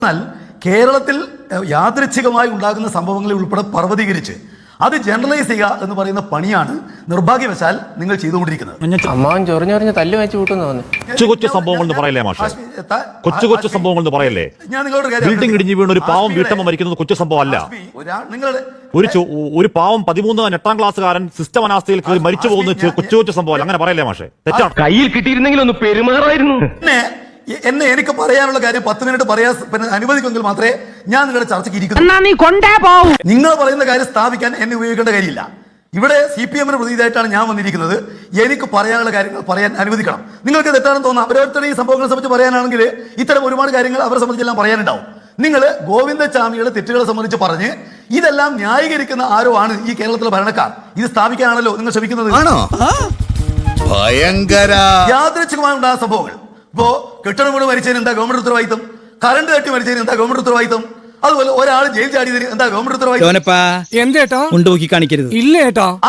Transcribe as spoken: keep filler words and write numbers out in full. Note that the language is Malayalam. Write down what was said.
എന്നാൽ കേരളത്തിൽ യാദൃച്ഛികമായി ഉണ്ടാകുന്ന സംഭവങ്ങളെ ഉൾപ്പെടെ പർവ്വതീകരിച്ച് അത് ജനറലൈസ് ചെയ്യുക എന്ന് പറയുന്ന പണിയാണ് നിർഭാഗ്യവശാൽ നിങ്ങൾ ചെയ്തുകൊണ്ടിരിക്കുന്നത്. അമ്മാവൻ ചൊറിഞ്ഞൊറിഞ്ഞ് തല്ലു വെച്ച് കൂട്ടുന്നു. കൊച്ചു കൊച്ചു സംഭവങ്ങൾ എന്ന് പറയല്ലേ മാഷെ? കൊച്ചു കൊച്ചു സംഭവങ്ങൾ എന്ന് പറയല്ലേ? ഞാൻ നിങ്ങളോട് ബിൽഡിംഗ് ഇടിഞ്ഞു വീണ് ഒരു പാവം വീട്ടമ്മ മരിക്കുന്നത് കൊച്ചു സംഭവം അല്ല. നിങ്ങളുടെ ഒരു ഒരു പാവം പതിമൂന്ന് എട്ടാം ക്ലാസ്സുകാരൻ സിസ്റ്റം അനാസ്ഥയിൽ കയറി മരിച്ചു പോകുന്ന കൊച്ചു കൊച്ചു സംഭവം അങ്ങനെ പറയല്ലേ മാഷെ? തെറ്റാണ്. കയ്യിൽ കിട്ടിയിരുന്നെങ്കിൽ ഒന്ന് പെരുമാറായിരുന്നു. എന്നെ എനിക്ക് പറയാനുള്ള കാര്യം പത്ത് മിനിറ്റ് പറയാൻ അനുവദിക്കുമെങ്കിൽ മാത്രമേ ഞാൻ നിങ്ങളുടെ ചർച്ചയ്ക്ക് ഇരിക്കുന്നു. നിങ്ങൾ പറയുന്ന കാര്യം സ്ഥാപിക്കാൻ എന്നെ ഉപയോഗിക്കേണ്ട കാര്യമില്ല. ഇവിടെ സി പി എമ്മിന് പ്രതിനിധിയായിട്ടാണ് ഞാൻ വന്നിരിക്കുന്നത്. എനിക്ക് പറയാനുള്ള കാര്യങ്ങൾ പറയാൻ അനുവദിക്കണം. നിങ്ങൾക്ക് തെറ്റാണെന്ന് തോന്നാം. ഓരോരുത്തരുടെയും സംഭവങ്ങളെ സംബന്ധിച്ച് പറയാനാണെങ്കിൽ ഇത്തരം ഒരുപാട് കാര്യങ്ങൾ അവരെ സംബന്ധിച്ചെല്ലാം പറയാനുണ്ടാവും. നിങ്ങൾ ഗോവിന്ദചാമിയുടെ തെറ്റുകളെ സംബന്ധിച്ച് പറഞ്ഞ് ഇതെല്ലാം ന്യായീകരിക്കുന്ന ആരോ ആണ് ഈ കേരളത്തിലെ ഭരണക്കാർ. ഇത് സ്ഥാപിക്കാനാണല്ലോ നിങ്ങൾ ശ്രമിക്കുന്നത്. യാദൃച്ഛികമായി ഉണ്ടായ സംഭവങ്ങൾ. ഇപ്പോ കെട്ടിടം വീണ് മരിച്ചതിന് എന്താ ഗവൺമെന്റ് ഉത്തരവാദിത്തം? കറണ്ട് കെട്ടി മരിച്ചതിന് എന്താ ഗവൺമെന്റ് ഉത്തരവാദിത്തം? അതുപോലെ ഒരാൾ ജയിൽ ചാടിയതിന് എന്താ ഗവൺമെന്റ് ഉത്തരവാദിത്തം? എന്തേട്ടോ ഉണ്ട് നോക്കി കാണിക്കരുത്. ഇല്ലേട്ടോ.